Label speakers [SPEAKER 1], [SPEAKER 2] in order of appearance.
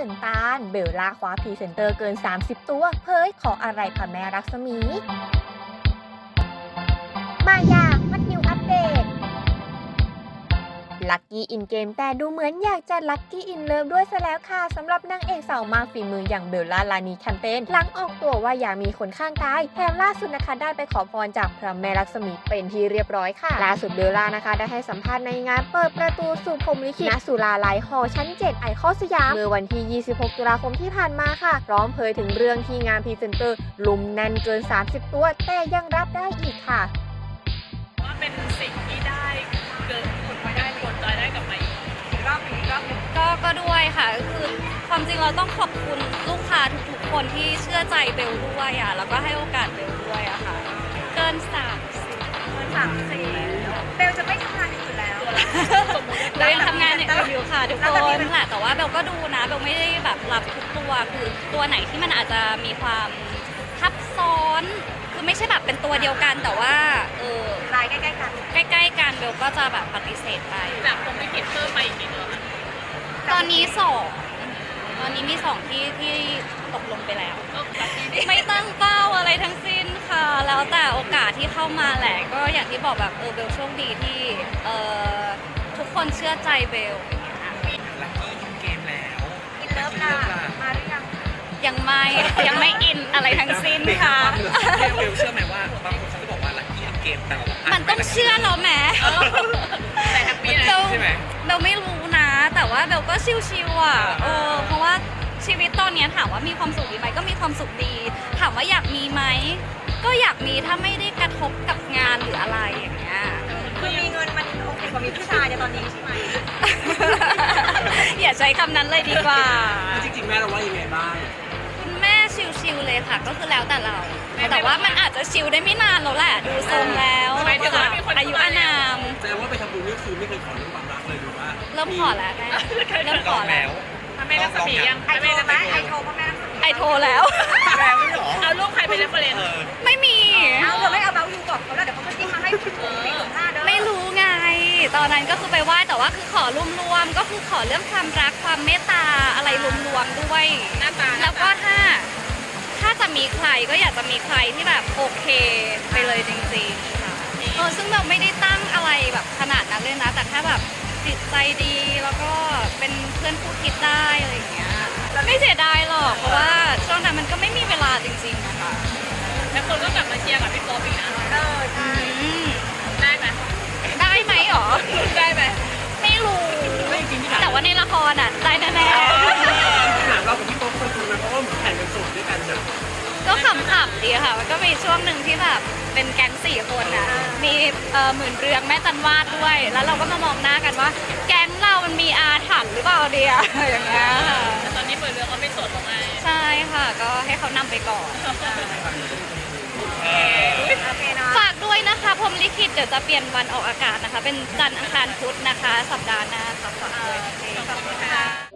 [SPEAKER 1] นตาลเบลล่าคว้าพรีเซนเตอร์เกิน 30 ตัวเผยขออะไรพระแม่รักษมี มายามัดนิวอัปเดตลัคกี้อินเกมแต่ดูเหมือนอยากจะลัคกี้อินเลิฟด้วยซะแล้วค่ะสำหรับนางเอกสาวมากฝีมืออย่างเบลล่าลานีแคมเปญหลังออกตัวว่าอยากมีคนข้างกายแถมล่าสุดนะคะได้ไปขอพรจากพระแม่ลักษมีเป็นที่เรียบร้อยค่ะล่าสุดเบลล่านะคะได้ให้สัมภาษณ์ในงานเปิดประตูสู่พรหมลิขิตณสุราลัยหอชั้น 7ไอคอนสยามเมื่อวันที่ 26 ตุลาคมที่ผ่านมาค่ะพร้อมเผยถึงเรื่องที่งานพรีเซนเตอร์ลุมแน่นเกิน 30 ตัวแต่ยังรับได้อีกค่ะ
[SPEAKER 2] ว่าเป็นสิ่งที่ได้เกินคนไว้ได้ผลจอยได้กลับมาอีกรอบนึง
[SPEAKER 3] ก็ด้วยค่ะคือความจริงเราต้องขอบคุณลูกค้าทุกๆคนที่เชื่อใจเบลด้วยอ่ะแล้วก็ให้โอกาสเบลด้วยอะค่ะเกิน
[SPEAKER 2] 30เบลจะไม่ทำงานอื่นแล้ว
[SPEAKER 3] เบลยังทำงานอย่างอื่นอยู่ค่ะทุกคนแหละแต่ว่าเบลก็ดูนะเบลไม่ได้แบบรับทุกตัวคือตัวไหนที่มันอาจจะมีความทับซ้อนคือไม่ใช่แบบเป็นตัวเดียวกันแต่ว่า
[SPEAKER 2] ลายใกล้ๆกัน
[SPEAKER 3] เบลก็จะแบบปฏิเสธไป
[SPEAKER 2] จากผมไม่คิดเพิ่มไปอีกนิดนึง
[SPEAKER 3] ตอนนี้มีสองที่ตกลงไปแล้วไม่ตั้งเป้าอะไรทั้งสิ้นค่ะแล้วแต่โอกาสที่เข้ามาแหละก็อย่างที่บอกแบบเบลโชคดีที่ทุกคนเชื่อใจเบล
[SPEAKER 4] ลัคกี้อินเกมแล้ว
[SPEAKER 2] อินเลิฟล่ะมาหรือยัง
[SPEAKER 3] ยังไม่อินอะไรทั้งสิ้นค่ะ
[SPEAKER 4] เบลเชื่อไหมว่าบางคนเขาจะบอกว่าลัคกี้อินเกมแต่เรา
[SPEAKER 3] มันต้องเชื่อเราแหม
[SPEAKER 2] แต่แฮปปี้นะ
[SPEAKER 4] ใช่ไหม
[SPEAKER 3] เบลไม่รู้นะแต่ว่าเบลก็ชิวๆอ่ะเพราะว่าชีวิตตอนนี้ถามว่ามีความสุขดีไหมก็มีความสุขดีถามว่าอยากมีไหมก็อยากมีถ้าไม่ได้กระทบกับงานหรืออะไรอย่างเงี้ย
[SPEAKER 2] คือมีเงินมันโอเคกว่ามีผู้ชายในตอนนี้ใช่ไหม
[SPEAKER 3] อย่าใช้คำนั้นเลยดีกว่า
[SPEAKER 4] จริงๆแม่เราว่ายังไงบ้าง
[SPEAKER 3] คุณแม่ชิลๆเลยค่ะก็คือแล้วแต่เราแต่ว่ามันอาจจะชิลได้ไม่นานแล้วแหละดูทรงแล้วอายุอานาม
[SPEAKER 4] แสดงว่าไปทำบุญนี่คือไม่เคยขอเรื่องความรักเลยหรือว่า
[SPEAKER 3] เริ่มขอแล้วเริ่มขอแล้ว
[SPEAKER 2] แม่รักษมียังไอโทรไหมไอโทรพ่อแม่รักษมี
[SPEAKER 3] ไอโทรแล้ว
[SPEAKER 2] เอาลูกใครไปเรฟเฟอเรนซ์
[SPEAKER 3] ไม่มี
[SPEAKER 2] เอาเธอไม่เอาเบลยูบอกเขาแล้วเดี๋ยวเขาจะจิ้มมาให้ถึง4-5เด้อ
[SPEAKER 3] ไม่รู้ไงตอนนั้นก็คือไปไหว้แต่ว่าคือขอรวมๆก็คือขอเรื่องความรักความเมตตาอะไรรวมๆด้วยแล้วก็ถ้าจะมีใครก็อยากจะมีใครที่แบบโอเคไปเลยจริงๆค่ะซึ่งเราไม่ได้ตั้งอะไรแบบขนาดนั้นเลยนะแต่แค่แบบจิตใจดีแล้วก็เป็นเพื่อนคู่คิดได้อะไรอย่างเงี้ยไม่เสียดายหรอกเพราะว่าช่วงนั้นมันก็ไม่มีเวลาจริงๆนะคะ
[SPEAKER 2] แล้วคนก็กลับมาเชียร์กับพี่โป๊ปอีกนะใช่ได้ไหม
[SPEAKER 3] หรอ
[SPEAKER 2] ได้ไหม
[SPEAKER 3] ไม่รู้แต่ว่าในละครอ่ะได้แน่
[SPEAKER 4] ๆถามเรากับพี่โป๊ปเคยคุยไหมเพราะว่าแข่งกันสูงด้วยกันนะ
[SPEAKER 3] ก็ขำๆดีค่ะมันก็มีช่วงหนึ่งที่แบบเป็นแก๊ง4 คนอ่ะมีหมื่นเรืองแม่จันวาดด้วยแล้วเราก็มามองหน้ากันว่าแก๊งเรามันมีอาถรรพ์หรือเปล่าเดียอย่างเงี้ย
[SPEAKER 2] ตอนนี้หมื่นเรืองก็ไม่สดหรอกไง
[SPEAKER 3] ใช่ค่ะก็ให้เขานำไปก่อนฝากด้วยนะคะพรหมลิขิตเดี๋ยวจะเปลี่ยนวันออกอากาศนะคะเป็นจันทร์อังคารพุธนะคะสัปดาห์หน้าค่ะฝากด้วย
[SPEAKER 2] ขอบคุณค่ะ